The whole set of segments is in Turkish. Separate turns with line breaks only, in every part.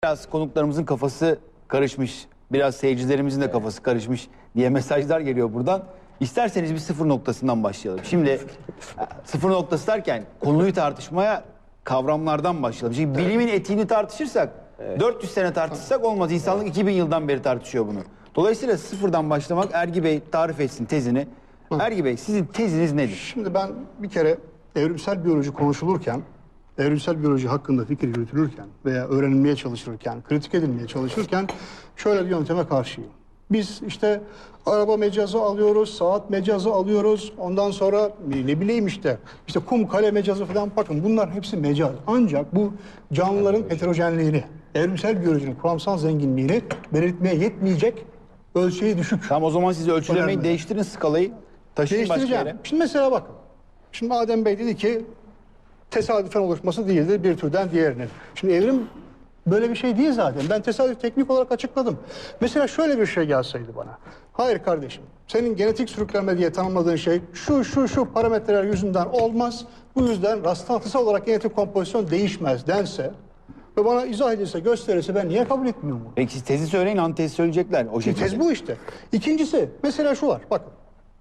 Biraz konuklarımızın kafası karışmış, biraz seyircilerimizin de kafası karışmış diye mesajlar geliyor buradan. İsterseniz bir sıfır noktasından başlayalım. Şimdi sıfır noktası derken konuyu tartışmaya kavramlardan başlayalım. Şimdi bilimin etiğini tartışırsak, 400 sene tartışsak olmaz. İnsanlık 2000 yıldan beri tartışıyor bunu. Dolayısıyla sıfırdan başlamak, Ergi Bey tarif etsin tezini. Ergi Bey, sizin teziniz nedir?
Şimdi ben bir kere evrimsel biyoloji konuşulurken, evrimsel biyoloji hakkında fikir yürütülürken veya öğrenilmeye çalışılırken, kritik edilmeye çalışırken şöyle bir yönteme karşıyım. Biz işte araba mecazı alıyoruz, saat mecazı alıyoruz. Ondan sonra ne bileyim işte kum kale mecazı falan, bakın bunlar hepsi mecaz. Ancak bu canlıların heterojenliğini, evrimsel biyolojinin kuramsal zenginliğini belirtmeye yetmeyecek ölçeği düşük.
Tamam, o zaman siz ölçülemeyi
Önemli.
değiştirin, skalayı taşıyın başka
Değiştireceğim.
yere.
Şimdi mesela bakın. Şimdi Adem Bey dedi ki tesadüfen oluşması değildir bir türden diğerinin. Şimdi evrim böyle bir şey değil zaten. Ben tesadüf teknik olarak açıkladım. Mesela şöyle bir şey gelseydi bana. Hayır kardeşim, senin genetik sürüklenme diye tanımladığın şey şu parametreler yüzünden olmaz. Bu yüzden rastlantısal olarak genetik kompozisyon değişmez dense ve bana izah edilse, gösterirse ben niye kabul etmiyorum bunu?
Peki siz tezi söyleyin, antezi söyleyecekler o
Şimdi
şekilde.
tez bu işte. İkincisi mesela şu var, bakın.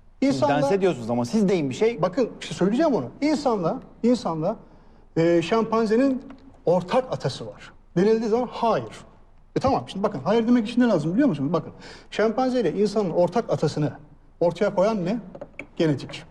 Dense diyorsunuz ama siz deyin bir şey.
Bakın işte söyleyeceğim onu. İnsanla şempanzenin ortak atası var. Denildiği zaman hayır. Tamam, şimdi bakın hayır demek için ne lazım biliyor musunuz? Bakın şempanze ile insanın ortak atasını ortaya koyan ne? Genetik.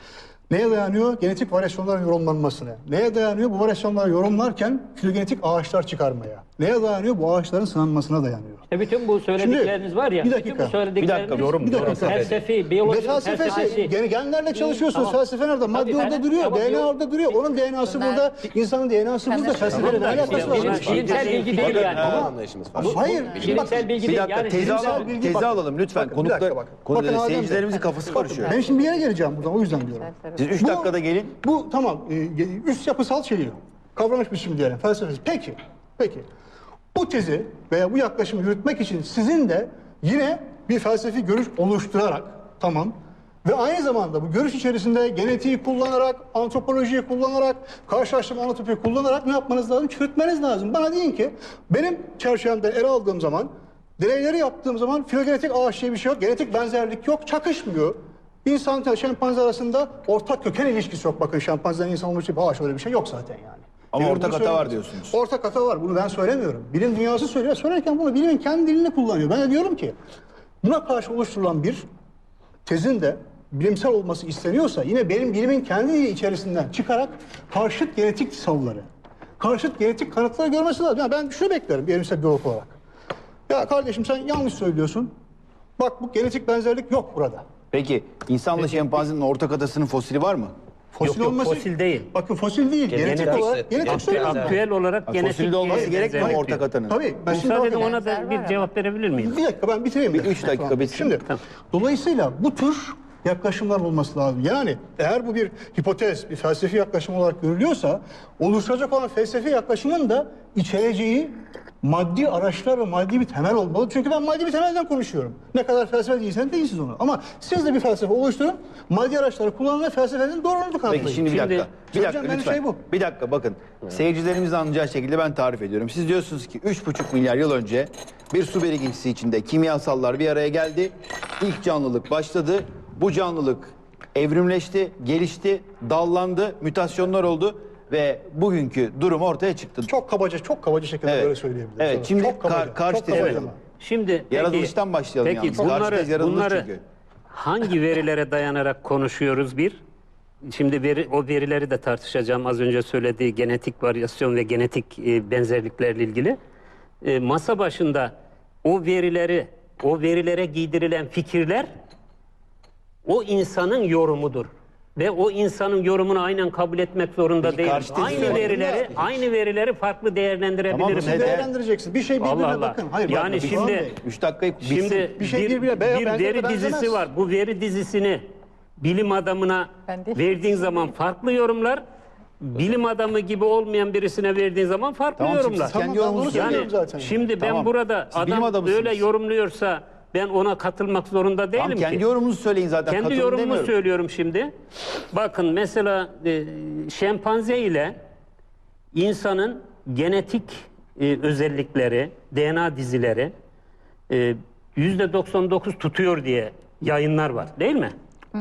Neye dayanıyor? Genetik varyasyonların yorumlanmasına. Neye dayanıyor? Bu varyasyonları yorumlarken filogenetik ağaçlar çıkarmaya. Neye dayanıyor? Bu ağaçların sınanmasına dayanıyor.
Bütün bu söyledikleriniz var ya.
bir dakika.
Bütün bu söyledikleriniz,
Bir dakika, yorum,
bir dakika.
felsefi, biyoloji felsefesi.
Genlerle çalışıyorsun.
Tamam.
Felsefe nerede? Madde
Tabii,
orada duruyor.
tamam,
DNA orada duruyor. Onun DNA'sı burada. İnsanın DNA'sı burada. Felsefeyle ne alakası var?
Bilimsel bilgi değil yani.
Hayır.
Bilimsel bilgi
Bir
değil.
dakika,
Yani
tezi
bilimsel
alalım,
bilgi-
tezi
bakın.
alalım lütfen.
Bakın, bir dakika, bakın. Bakın Adem Bey.
Seyircilerimizin kafası karışıyor.
Ben şimdi bir yere geleceğim buradan. O yüzden diyorum.
Siz 3 dakikada gelin.
Bu tamam. Üst yapısal şeyi. Kavramış biçim diyelim. Felsefesi. Peki. Bu tezi veya bu yaklaşımı yürütmek için sizin de yine bir felsefi görüş oluşturarak, tamam, ve aynı zamanda bu görüş içerisinde genetiği kullanarak, antropolojiyi kullanarak, karşılaştırma anatopiyi kullanarak ne yapmanız lazım? Çürütmeniz lazım. Bana deyin ki benim çerçevemden ele aldığım zaman, deneyleri yaptığım zaman filogenetik ağaç diye bir şey yok, genetik benzerlik yok, çakışmıyor. İnsan ile şempanze arasında ortak köken ilişkisi yok. Bakın şempanzeden insan olmuş bir ağaç, öyle bir şey yok zaten yani.
Ama
Evrim
ortak
bunu
hata var
söylemiyor.
diyorsunuz.
Ortak hata var. Bunu ben söylemiyorum. Bilim dünyası söylüyor. Söylerken bunu bilimin kendi dilini kullanıyor. Ben de diyorum ki buna karşı oluşturulan bir tezin de bilimsel olması isteniyorsa yine benim bilimin kendi dili içerisinden çıkarak karşıt genetik savları, karşıt genetik kanıtları görmesi lazım. Yani ben şunu beklerim bir evrimsel biyolog olarak. Ya kardeşim sen yanlış söylüyorsun. Bak bu genetik benzerlik yok burada.
Peki insanla şempanzenin ortak atasının fosili var mı?
Fosil
Yok,
olması...
fosil değil.
Bakın fosil değil. Genetik olarak... Genetik söylüyorum ben.
Aktüel olarak genetik
Fosilde olması gerekmiyor mu
benzerlik.
ortak atanın?
Tabii. Ben şimdi
Müsaade edin,
bakın-
ona da bir cevap verebilir miyim?
Bir dakika ben bitireyim.
Bir 3 dakika bitsin.
Şimdi dolayısıyla bu tür yaklaşımlar olması lazım. Yani eğer bu bir hipotez, bir felsefi yaklaşım olarak görülüyorsa oluşacak olan felsefi yaklaşımın da içereceği maddi araçlar ve maddi bir temel olmalı. Çünkü ben maddi bir temelden konuşuyorum. Ne kadar felsefe değilseniz değilsiniz onu. Ama siz de bir felsefe oluşturun, maddi araçları kullanın ve felsefenin doğruluğunu kanıtlayın.
Peki şimdi bir dakika. Bir
söyleyeceğim
dakika
benim
lütfen.
şey bu.
Bir dakika bakın. Seyircilerimiz anlayacağı şekilde ben tarif ediyorum. Siz diyorsunuz ki 3,5 milyar yıl önce bir su birikintisi içinde kimyasallar bir araya geldi. İlk canlılık başladı. Bu canlılık evrimleşti, gelişti, dallandı, mutasyonlar oldu ve bugünkü durum ortaya çıktı.
Çok kabaca şekilde
Evet.
böyle söyleyebilirim.
Evet,
Sana.
şimdi
Çok kabaca,
karşı
çok
tezi
kabaca.
koyalım.
Şimdi
Yaratılıştan başlayalım
peki,
yalnız. Karşı tez yaratılış
bunları
çünkü.
hangi verilere dayanarak konuşuyoruz bir? Şimdi o verileri de tartışacağım, az önce söylediği genetik varyasyon ve genetik benzerliklerle ilgili. Masa başında o verilere giydirilen fikirler o insanın yorumudur. Ve o insanın yorumunu aynen kabul etmek zorunda
Peki,
değil.
karşı tezi
Aynı verileri farklı değerlendirebilirim.
Tamam,
Nasıl
neden?
değerlendireceksin? Bir şey birbirine
Allah Allah.
bakın. Hayır,
Yani
bakın,
şimdi-
Doğan Bey.
3 dakikayı bitsin.
Şimdi
Bir şey
bir
birbirine benzemez,
veri
benzemez.
dizisi var. Bu veri dizisini bilim adamına
Ben de-
verdiğin zaman farklı yorumlar, bilim adamı gibi olmayan birisine verdiğin zaman farklı
Tamam, şimdi
yorumlar.
siz kendi
Tamam, ben
yorumunuzu
bunu
söyleyin.
söylüyorum zaten.
Şimdi ben
Tamam.
burada
Siz bilim
adam
adamısınız.
öyle yorumluyorsa ben ona katılmak zorunda değilim
Tamam,
ki.
kendi yorumunuzu söyleyin zaten.
Kendi
katılın
yorumumu
demiyorum.
söylüyorum şimdi. Bakın mesela şempanze ile insanın genetik özellikleri, DNA dizileri %99 tutuyor diye yayınlar var değil mi?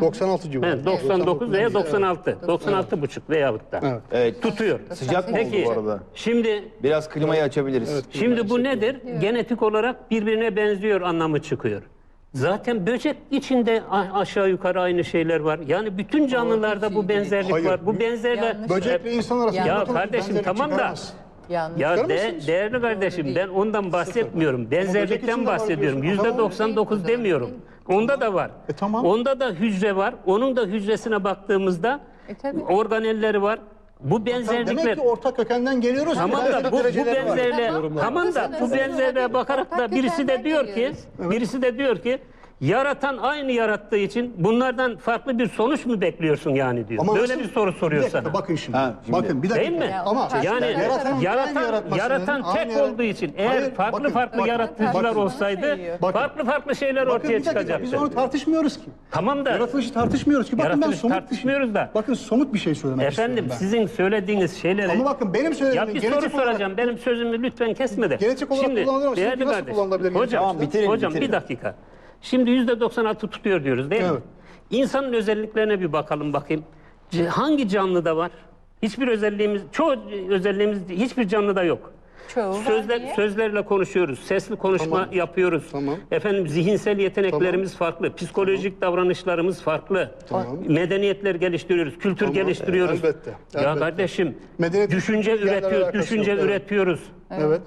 96 civarı.
Evet, 99 veya 96. 96,5 veyahut da.
Evet.
Evet.
Tutuyor.
Sıcak mı oldu
Peki
bu arada?
şimdi
Biraz klimayı açabiliriz.
Şimdi bu nedir? Genetik olarak birbirine benziyor anlamı çıkıyor. Zaten böcek içinde aşağı yukarı aynı şeyler var. Yani bütün canlılarda bu benzerlik
Hayır.
var. Bu benzerler...
Yanlış.
Böcekle insan arasında
Ya
otomatik
kardeşim,
benzerlik
tamam da-
çıkaramaz.
Yanlış.
Ya
Çıkarır mısınız?
değerli kardeşim,
Doğru
ben ondan bahsetmiyorum.
böcek
Benzerlikten
içinde var
bahsediyorum.
diyorsun.
%99 demiyorum. Onda da var.
Tamam.
Onda da hücre var. Onun da hücresine baktığımızda
Tabii.
organelleri var. Bu benzerlikler...
Demek ki ortak kökenden geliyoruz.
Tamam
Benzerlik
da bu
dereceleri var.
benzerliğe
Tamam.
tamam da bu
Haklısınız.
benzerliğe bakarak da
Ortak
birisi de
kökenden
diyor ki
geliyoruz.
birisi de diyor ki yaratan aynı yarattığı için bunlardan farklı bir sonuç mu bekliyorsun yani diyor.
Ama
Böyle
nasıl-
bir soru soruyor
Bir dakika,
sana.
Bakın şimdi.
Ha, şimdi.
Bakın bir dakika.
Değil mi?
Ya,
Ama
Yani
Yaratanın
yaratan tek olduğu için eğer
Hayır,
farklı
bakın,
farklı
bakın,
yaratıcılar
bakın.
olsaydı
Bakın.
farklı farklı şeyler
Bakın
ortaya
bir dakika,
çıkacaktı.
biz onu tartışmıyoruz ki.
Tamam da
Yaratılışı tartışmıyoruz ki. Bakın ben
Yaratılışı
somut
tartışmıyoruz da.
Bakın somut bir şey söylemek
efendim
istiyorum ben.
sizin söylediğiniz şeyleri
Ama bakın benim söylediğim
ya bir soru soracağım. Benim sözümü lütfen kesme de.
Genetik olarak kullanılır ama
değerli
şimdi nasıl
kardeşim,
kullanılabilir genetik
Hocam,
Tamam, bitirelim,
hocam
bitirelim.
bir dakika. Şimdi %96 tutuyor diyoruz değil mi?
Evet.
İnsanın özelliklerine bir bakalım bakayım. Hangi canlıda var? Hiçbir özelliğimiz, çoğu özelliğimiz hiçbir canlıda yok.
Çoğu var diye.
Sözlerle konuşuyoruz, sesli konuşma
Tamam.
yapıyoruz.
Tamam.
Efendim zihinsel yeteneklerimiz farklı, psikolojik davranışlarımız farklı.
Tamam.
Medeniyetler geliştiriyoruz, kültür
Tamam.
geliştiriyoruz.
Elbette,
Ya
elbette.
kardeşim,
Medeniyet
düşünce
yerle
üretiyor,
alakası
düşünce
yok, evet.
üretiyoruz.
Evet.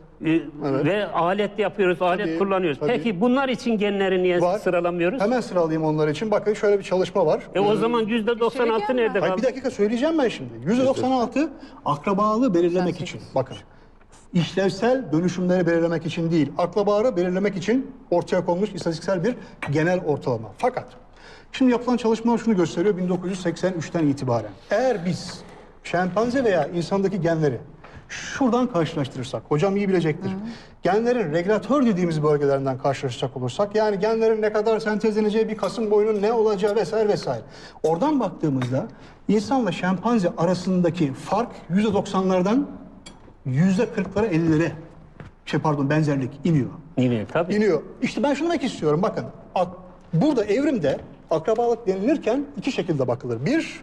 Ve alet yapıyoruz, alet
Tabii,
kullanıyoruz.
tabii.
Peki bunlar için genleri niye
Var.
sıralamıyoruz?
Hemen sıralayayım onlar için. Bakın şöyle bir çalışma var.
O zaman %96
Şey
nerede
Hayır,
kaldı?
bir dakika söyleyeceğim ben şimdi. %96 akrabalığı belirlemek
Sen
için. Bakın. İşlevsel dönüşümleri belirlemek için değil, akrabaları belirlemek için ortaya konmuş istatistiksel bir genel ortalama. Fakat şimdi yapılan çalışmalar şunu gösteriyor 1983'ten itibaren. Eğer biz şempanze veya insandaki genleri şuradan karşılaştırırsak, hocam iyi bilecektir. Genlerin regülatör dediğimiz bölgelerinden karşılaşacak olursak, yani genlerin ne kadar sentezleneceği, bir kasım boyunun ne olacağı vesaire vesaire. Oradan baktığımızda insanla şempanze arasındaki fark %90'lardan %40'lara 50'lere benzerlik iniyor.
İniyor tabii.
İniyor. İşte ben şunu demek istiyorum bakın. Burada evrimde akrabalık denilirken iki şekilde bakılır.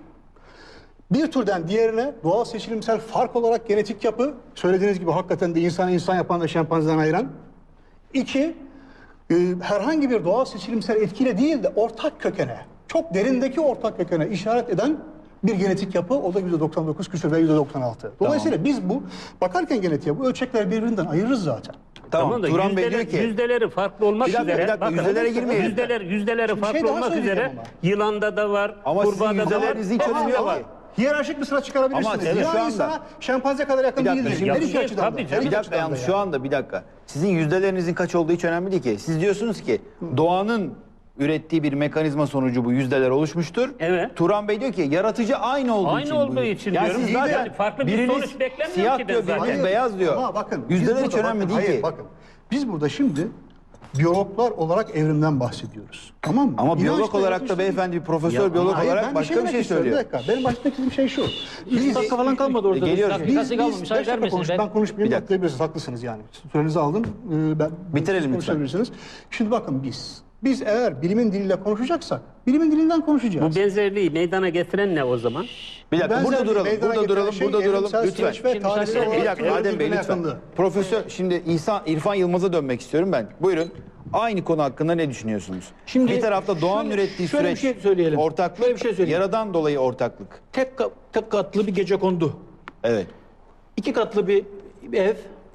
Bir türden diğerine doğal seçilimsel fark olarak genetik yapı, söylediğiniz gibi hakikaten de insanı insan yapan ve şempanzeden ayıran. İki, herhangi bir doğal seçilimsel etkiyle değil de ortak kökene, çok derindeki ortak kökene işaret eden bir genetik yapı, o da %99 küsur ve %96. Dolayısıyla biz bu bakarken genetiğe bu ölçekler birbirinden ayırırız zaten.
Tamam da
Turan Bey diyor ki
yüzdeleri farklı olmak
Bir dakika,
üzere.
bir dakika, yüzdelere girmeyelim.
Yüzdeleri
Şimdi
farklı
şey daha
olmak
söyleyeceğim
üzere
ama.
yılanda da var,
Ama sizin
kurbağada da var.
yüzdelerinizin hiç önemi
hepsinde
yok
var.
ki.
Hiyerarşik bir sıra çıkarabilirsiniz.
Ama sizin
Yılan
şu anda-
insana şempanze kadar yakın
Bir dakika,
değildir.
şimdi-
Her iki
Tabii
açıdan da.
canım.
Her iki
Bir dakika
açıdan da
yalnız
yani.
şu anda bir dakika. Sizin yüzdelerinizin kaç olduğu hiç önemli değil ki. Siz diyorsunuz ki doğanın ürettiği bir mekanizma sonucu bu yüzdeler oluşmuştur.
Evet.
Turan Bey diyor ki yaratıcı aynı olduğu
Aynı
için.
olduğu
bu.
için
yani
diyorum.
Siz
İyi de
zaten
yani farklı bir
biriniz
sonuç beklemiyorum
siyah
ki ben
diyor,
zaten.
biriniz
Hayır,
beyaz diyor.
Ama bakın. biz
Yüzdeler hiç
burada
önemli
bakın,
değil
hayır,
ki.
bakın. Biz burada şimdi biyologlar olarak evrimden bahsediyoruz. Tamam mı?
Ama biyolog
İnançla
olarak
yaratılmış
da beyefendi bir profesör
Ya,
biyolog
Hayır,
olarak
ben
başka bir
demek
şey
istiyorum.
söylüyor.
Bir dakika. Benim baştaki şey şu.
3 dakika falan kalmadı orada.
Geliyor.
Dakikası kalmamış.
beş
Hayır
dakika
vermesin.
konuştum. Ben konuşmayayım.
Bir dakika.
Atlayabilirsiniz. Haklısınız yani. Sürenizi aldım.
Bitirelim lütfen.
konuşabilirsiniz. Şimdi bakın biz eğer bilimin diliyle konuşacaksak bilimin dilinden konuşacağız.
Bu benzerliği meydana getiren ne o zaman?
Bir dakika burada
Benzerliği
duralım.
meydana
Burada
getiren
duralım.
şey
Burada duralım
evrimsel
lütfen.
süreç ve tarihsel
müsaade edin.
olarak
Bir dakika
türlerin
Adem Bey
birbirine
lütfen.
yakınlığı.
Profesör şimdi İrfan Yılmaz'a dönmek istiyorum ben. Buyurun. Aynı konu hakkında ne düşünüyorsunuz?
Şimdi
bir tarafta doğanın
şöyle-
ürettiği
şöyle bir
süreç
şey söyleyelim.
ortaklık,
Şöyle bir şey söyleyeyim.
yaradan dolayı ortaklık.
Tek katlı bir gecekondu.
Evet.
2 katlı bir ev,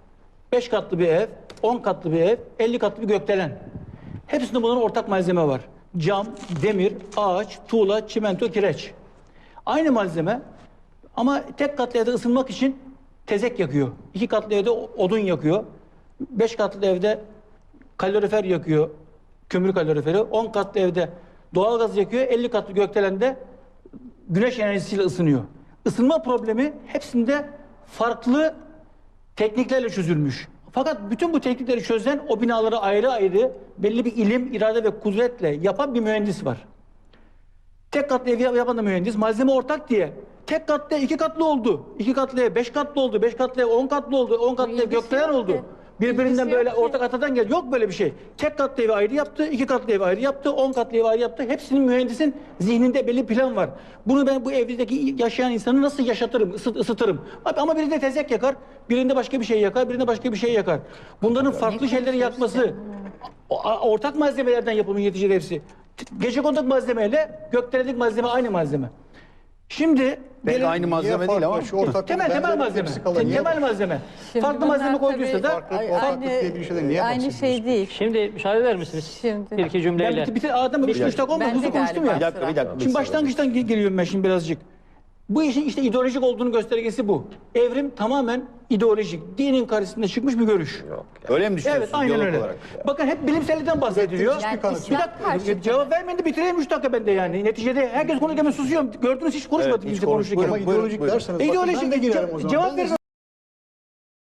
5 katlı bir ev, 10 katlı bir ev, 50 katlı bir gökdelen. Hepsinde bunların ortak malzeme var. Cam, demir, ağaç, tuğla, çimento, kireç. Aynı malzeme ama tek katlı evde ısınmak için tezek yakıyor. 2 katlı evde odun yakıyor. 5 katlı evde kalorifer yakıyor. Kömür kaloriferi. 10 katlı evde doğalgaz yakıyor. 50 katlı gökdelende güneş enerjisiyle ısınıyor. Isınma problemi hepsinde farklı tekniklerle çözülmüüş. Fakat bütün bu teknikleri çözen, o binaları ayrı ayrı belli bir ilim, irade ve kudretle yapan bir mühendis var. Tek katlı ev yapan da mühendis, malzeme ortak diye tek katlı 2 katlı oldu. 2 katlıya 5 katlı oldu. 5 katlıya 10 katlı oldu. 10 katlıya
ilgisi
gökdelen
yok
oldu.
ki.
Birbirinden
İlgisi
böyle
yok ki.
ortak atadan gel. Yok böyle bir şey. Tek katlı evi ayrı yaptı, 2 katlı evi ayrı yaptı, 10 katlı evi ayrı yaptı. Hepsinin mühendisin zihninde belli plan var. Bunu ben bu evdeki yaşayan insanı nasıl yaşatırım, ısıtırım. Ama birinde tezek yakar, birinde başka bir şey yakar, birinde başka bir şey yakar. Bunların farklı şeyleri yakması, ortak malzemelerden yapılmış neticede hepsi. Gecekondu malzemeyle gökdelenlik malzeme aynı malzeme. Şimdi
Belki
gelin-
aynı malzeme değil ama.
temel malzeme. Temel malzeme.
Şimdi
Farklı
bunlar
malzeme koyduysa
tabii
da
Farklılık diye bir şeyden niye
aynı
bahsediyorsunuz?
şey değil.
Şimdi müsaade eder misiniz?
Şimdi.
Bir iki cümleyle.
ben adamı 3 dakika olmadı
Ben de
hızlı konuştum
galiba.
ya.
Bir dakika.
Şimdi başlangıçtan geliyorum ben şimdi birazcık. Bu işin işte ideolojik olduğunu göstergesi bu. Evrim tamamen ideolojik. Dinin karşısında çıkmış bir görüş.
Öyle mi düşünüyorsunuz?
Evet, aynen
biyolog
öyle.
olarak?
Bakın hep bilimselden bahsediliyor.
Yani
Bir
İslam
dakika,
karşıtı.
cevap vermeyin de bitireyim 3 dakika bende yani. Neticede herkes konuşurken ben susuyorum. Gördünüz hiç konuşmadı
Evet, hiç
kimse
konuş-
konuşurken.
Ama ideolojik
Buyurun.
derseniz bakın
İdeolojik
ben de girerim o zaman.
cevap
Ben de
verin